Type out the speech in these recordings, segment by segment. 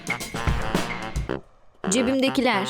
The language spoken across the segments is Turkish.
Cebimdekiler.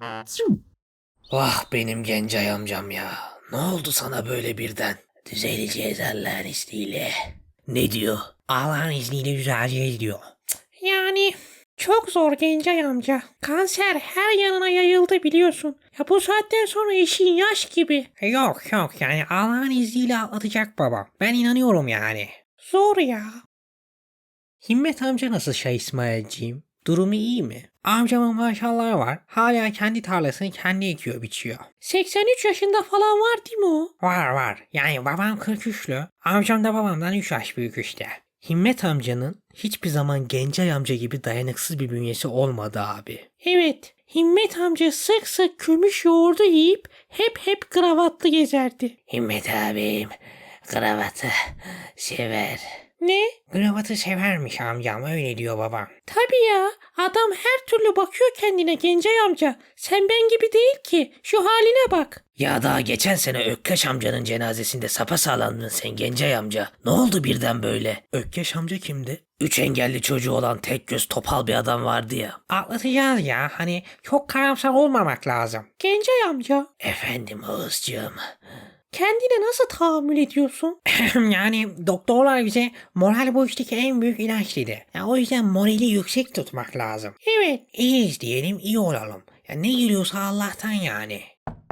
Vah benim Gencay amcam ya. Ne oldu sana böyle birden? Düzeleceğiz Allah'ın izniyle. Ne diyor? Allah'ın izniyle düzeleceğiz diyor. Yani çok zor Gencay amca. Kanser her yanına yayıldı biliyorsun. Ya bu saatten sonra işin yaş gibi. Yok yani Allah'ın izniyle atlatacak babam. Ben inanıyorum yani. Zor ya. Himmet amca nasıl İsmailciğim? Durumu iyi mi? Amcamın maşallahı var. Hala kendi tarlasını kendi ekiyor biçiyor. 83 yaşında falan var değil mi o? Var. Yani babam 43'lü. Amcam da babamdan 3 yaş büyük işte. Himmet amcanın hiçbir zaman Gencay amca gibi dayanıksız bir bünyesi olmadı abi. Evet. Himmet amca sık sık kömüş yoğurdu yiyip hep kravatlı gezerdi. Himmet abim kravatı sever. Ne? Kravatı severmiş amcam, öyle diyor babam. Tabii ya. Adam her türlü bakıyor kendine Gencay amca. Sen ben gibi değil ki. Şu haline bak. Ya daha geçen sene Ökkeş amcanın cenazesinde sapasağlamdın sen Gencay amca. Ne oldu birden böyle? Ökkeş amca kimdi? 3 engelli çocuğu olan tek göz topal bir adam vardı ya. Atlatacağız ya, hani çok karamsar olmamak lazım. Gencay amca. Efendim Oğuzcuğum. Kendine nasıl tahammül ediyorsun? Yani doktorlar bize moral bu işteki en büyük ilaç dedi. Ya o yüzden morali yüksek tutmak lazım. Evet. İyiyiz diyelim, iyi olalım. Ya ne geliyorsa Allah'tan yani.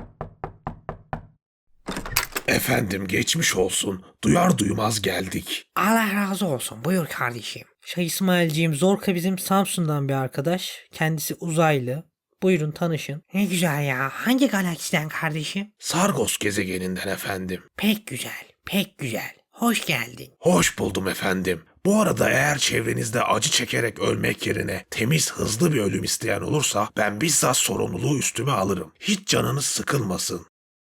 Efendim geçmiş olsun. Duyar duymaz geldik. Allah razı olsun. Buyur kardeşim. İsmailciğim, Zorka bizim Samsun'dan bir arkadaş. Kendisi uzaylı. Buyurun tanışın. Ne güzel ya. Hangi galaksiden kardeşim? Sargos gezegeninden efendim. Pek güzel. Hoş geldin. Hoş buldum efendim. Bu arada eğer çevrenizde acı çekerek ölmek yerine temiz, hızlı bir ölüm isteyen olursa ben bizzat sorumluluğu üstüme alırım. Hiç canınız sıkılmasın.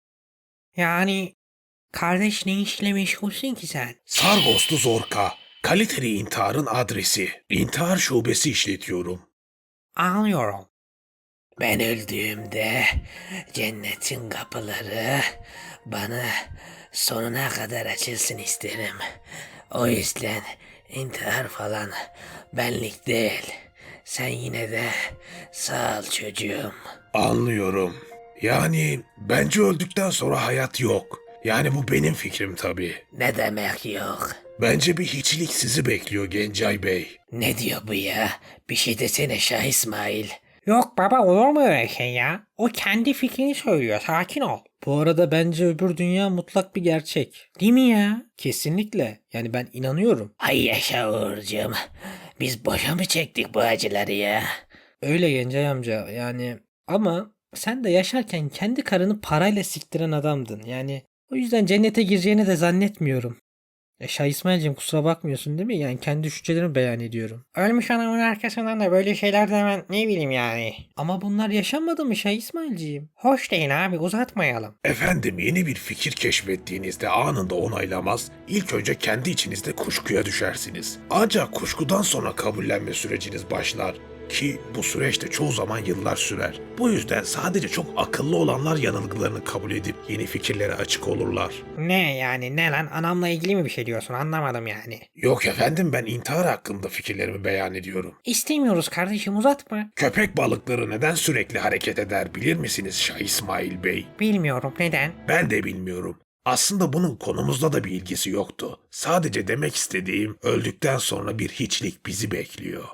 Yani kardeş, ne işle meşgulsün ki sen? Sargoslu Zorka. Kaliteli intiharın adresi. İntihar şubesi işletiyorum. Anlıyorum. Ben öldüğümde cennetin kapıları bana sonuna kadar açılsın isterim. O yüzden intihar falan benlik değil. Sen yine de sağ ol çocuğum. Anlıyorum. Yani bence öldükten sonra hayat yok. Yani bu benim fikrim tabii. Ne demek yok? Bence bir hiçlik sizi bekliyor Gencay Bey. Ne diyor bu ya? Bir şey desene Şah İsmail. Yok baba, olur mu öyle şey ya? O kendi fikrini söylüyor. Sakin ol. Bu arada bence öbür dünya mutlak bir gerçek. Değil mi ya? Kesinlikle. Yani ben inanıyorum. Ay yaşa Uğurcuğum. Biz boşa mı çektik bu acıları ya? Öyle Gencay amca yani. Ama sen de yaşarken kendi karını parayla siktiren adamdın. Yani o yüzden cennete gireceğini de zannetmiyorum. Şah İsmail'cim, kusura bakmıyorsun değil mi? Yani kendi düşüncelerimi beyan ediyorum. Ölmüş adamın arkasından da böyle şeyler demen ne bileyim yani. Ama bunlar yaşanmadı mı Şah İsmail'ciğim? Hoş değil abi, uzatmayalım. Efendim yeni bir fikir keşfettiğinizde anında onaylamaz, ilk önce kendi içinizde kuşkuya düşersiniz. Ancak kuşkudan sonra kabullenme süreciniz başlar. Ki bu süreçte çoğu zaman yıllar sürer. Bu yüzden sadece çok akıllı olanlar yanılgılarını kabul edip yeni fikirlere açık olurlar. Ne yani, ne lan, anamla ilgili mi bir şey diyorsun, anlamadım yani. Yok efendim, ben intihar hakkında fikirlerimi beyan ediyorum. İstemiyoruz kardeşim, uzatma. Köpek balıkları neden sürekli hareket eder bilir misiniz Şah İsmail Bey? Bilmiyorum, neden? Ben de bilmiyorum. Aslında bunun konumuzla da bir ilgisi yoktu. Sadece demek istediğim, öldükten sonra bir hiçlik bizi bekliyor.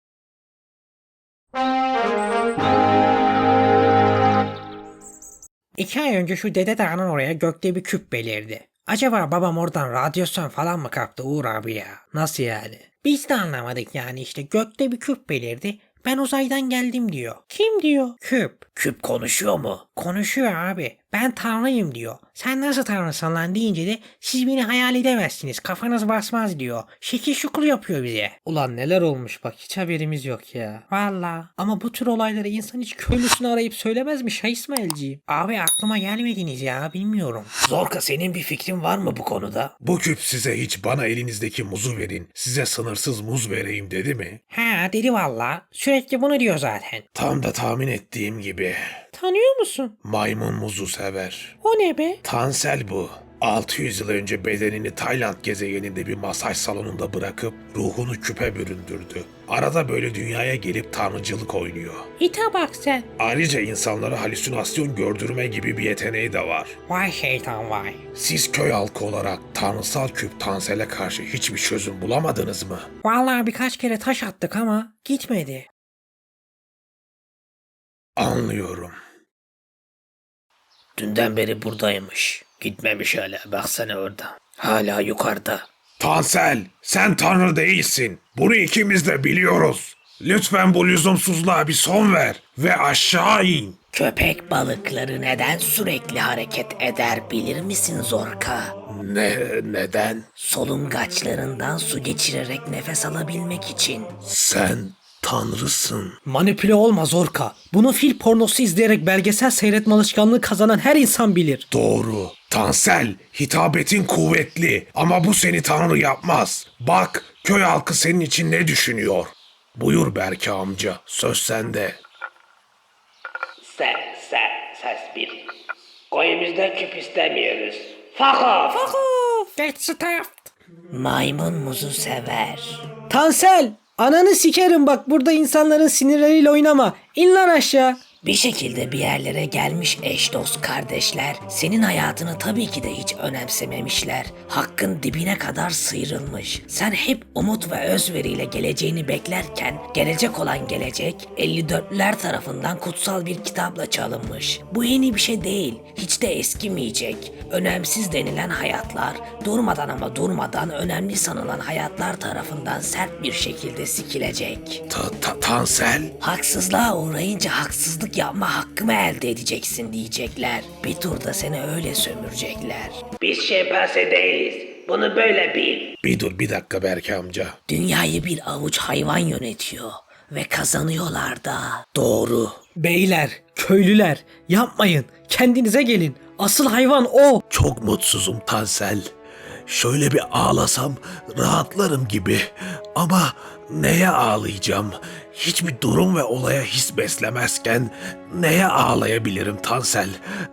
2 ay önce şu Dede Dağı'nın oraya gökte bir küp belirdi. Acaba babam oradan radyasyon falan mı kaptı Uğur abi ya? Nasıl yani? Biz de anlamadık yani, işte gökte bir küp belirdi. Ben uzaydan geldim diyor. Kim diyor? Küp. Küp konuşuyor mu? Konuşuyor abi. Ben tanrıyım diyor. Sen nasıl tanrısın lan deyince de siz beni hayal edemezsiniz. Kafanız basmaz diyor. Şekil şukul yapıyor bize. Ulan neler olmuş bak, hiç haberimiz yok ya. Valla. Ama bu tür olayları insan hiç köylüsünü arayıp söylemez mi Şah İsmail'ciğim? Abi aklıma gelmediniz ya, bilmiyorum. Zorka, senin bir fikrin var mı bu konuda? Bu küp size hiç bana elinizdeki muzu verin, size sınırsız muz vereyim dedi mi? Ha dedi valla. Sürekli bunu diyor zaten. Tam da tahmin ettiğim gibi. Tanıyor musun? Maymun muzu sever. O ne be? Tansel bu. 600 yıl önce bedenini Tayland gezegeninde bir masaj salonunda bırakıp ruhunu küpe büründürdü. Arada böyle dünyaya gelip tanrıcılık oynuyor. İte bak sen. Ayrıca insanlara halüsinasyon gördürme gibi bir yeteneği de var. Vay şeytan vay. Siz köy halkı olarak tanrısal küp Tansel'e karşı hiçbir çözüm bulamadınız mı? Vallahi birkaç kere taş attık ama gitmedi. Anlıyorum. Dünden beri buradaymış. Gitmemiş hala. Baksana orada. Hala yukarıda. Tansel, sen tanrı değilsin. Bunu ikimiz de biliyoruz. Lütfen bu lüzumsuzluğa bir son ver ve aşağı in. Köpek balıkları neden sürekli hareket eder bilir misin Zorka? Neden? Solungaçlarından su geçirerek nefes alabilmek için. Sen tanrısın. Manipüle olma Zorka. Bunu fil pornosu izleyerek belgesel seyretme alışkanlığı kazanan her insan bilir. Doğru. Tansel, hitabetin kuvvetli ama bu seni tanrı yapmaz. Bak, köy halkı senin için ne düşünüyor? Buyur Berke amca, söz sende. Ses bir. Koyumuzda küp istemiyoruz. Fuck off. Get stuffed. Maymun muzu sever. Tansel! Ananı sikerim bak, burada insanların sinirleriyle oynama. İn lan aşağı. Bir şekilde bir yerlere gelmiş eş dost kardeşler senin hayatını tabii ki de hiç önemsememişler. Hakkın dibine kadar sıyrılmış. Sen hep umut ve özveriyle geleceğini beklerken gelecek olan gelecek 54'ler tarafından kutsal bir kitapla çalınmış. Bu yeni bir şey değil. Hiç de eskimeyecek. Önemsiz denilen hayatlar durmadan ama durmadan önemli sanılan hayatlar tarafından sert bir şekilde sikilecek. Tansel? Haksızlığa uğrayınca haksızlık yapma hakkımı elde edeceksin diyecekler. Bir turda seni öyle sömürecekler. Biz şempanse değiliz. Bunu böyle bil. Bir dakika Berke amca. Dünyayı bir avuç hayvan yönetiyor. Ve kazanıyorlar da. Doğru. Beyler, köylüler, yapmayın. Kendinize gelin. Asıl hayvan o. Çok mutsuzum Tansel. Şöyle bir ağlasam rahatlarım gibi. Ama neye ağlayacağım? Hiçbir durum ve olaya his beslemezken neye ağlayabilirim Tansel?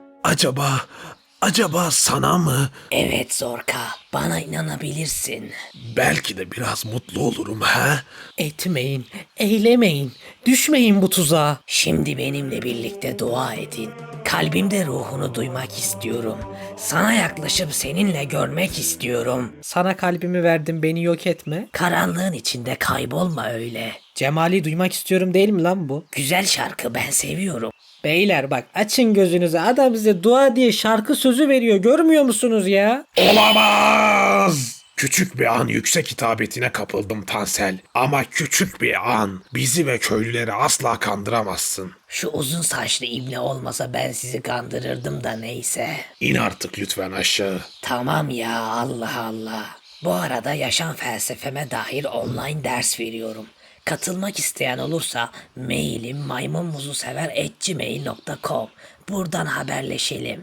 Acaba sana mı? Evet Zorka. Bana inanabilirsin. Belki de biraz mutlu olurum ha? Etmeyin, eylemeyin, düşmeyin bu tuzağa. Şimdi benimle birlikte dua edin. Kalbimde ruhunu duymak istiyorum. Sana yaklaşıp seninle görmek istiyorum. Sana kalbimi verdim, beni yok etme. Karanlığın içinde kaybolma öyle. Cemali duymak istiyorum değil mi lan bu? Güzel şarkı, ben seviyorum. Beyler bak, açın gözünüzü, adam bize dua diye şarkı sözü veriyor, görmüyor musunuz ya? Olamaz! Küçük bir an yüksek hitabetine kapıldım Tansel. Ama küçük bir an. Bizi ve köylüleri asla kandıramazsın. Şu uzun saçlı ibne olmasa ben sizi kandırırdım da neyse. İn artık lütfen aşağı. Tamam ya, Allah Allah. Bu arada yaşam felsefeme dair online ders veriyorum. Katılmak isteyen olursa mailim maymunmuzusever@gmail.com. Buradan haberleşelim.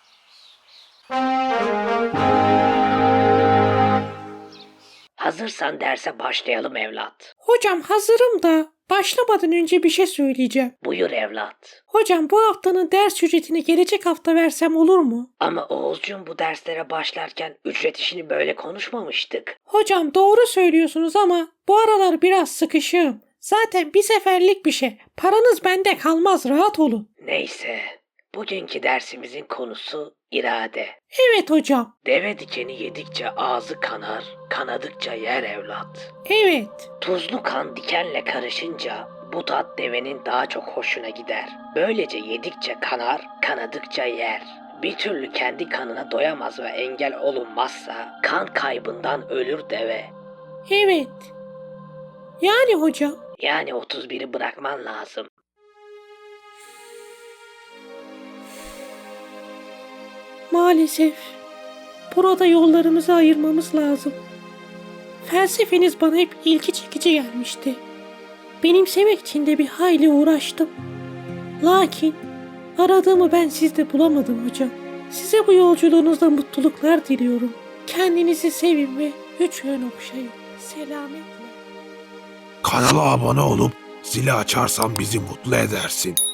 Hazırsan derse başlayalım evlat. Hocam hazırım da başlamadan önce bir şey söyleyeceğim. Buyur evlat. Hocam bu haftanın ders ücretini gelecek hafta versem olur mu? Ama Oğuzcuğum, bu derslere başlarken ücret işini böyle konuşmamıştık. Hocam doğru söylüyorsunuz ama bu aralar biraz sıkışığım. Zaten bir seferlik bir şey. Paranız bende kalmaz, rahat olun. Neyse, bugünkü dersimizin konusu irade. Evet hocam. Deve dikeni yedikçe ağzı kanar, kanadıkça yer evlat. Evet. Tuzlu kan dikenle karışınca bu tat devenin daha çok hoşuna gider. Böylece yedikçe kanar, kanadıkça yer. Bir türlü kendi kanına doyamaz ve engel olunmazsa kan kaybından ölür deve. Evet. Yani hocam. Yani 31'i bırakman lazım. Maalesef. Burada yollarımızı ayırmamız lazım. Felsefeniz bana hep ilgi çekici gelmişti. Benimsemek için de bir hayli uğraştım. Lakin aradığımı ben sizde bulamadım hocam. Size bu yolculuğunuzda mutluluklar diliyorum. Kendinizi sevin ve üç yön okşayın. Selametle. Kanala abone olup zili açarsan bizi mutlu edersin.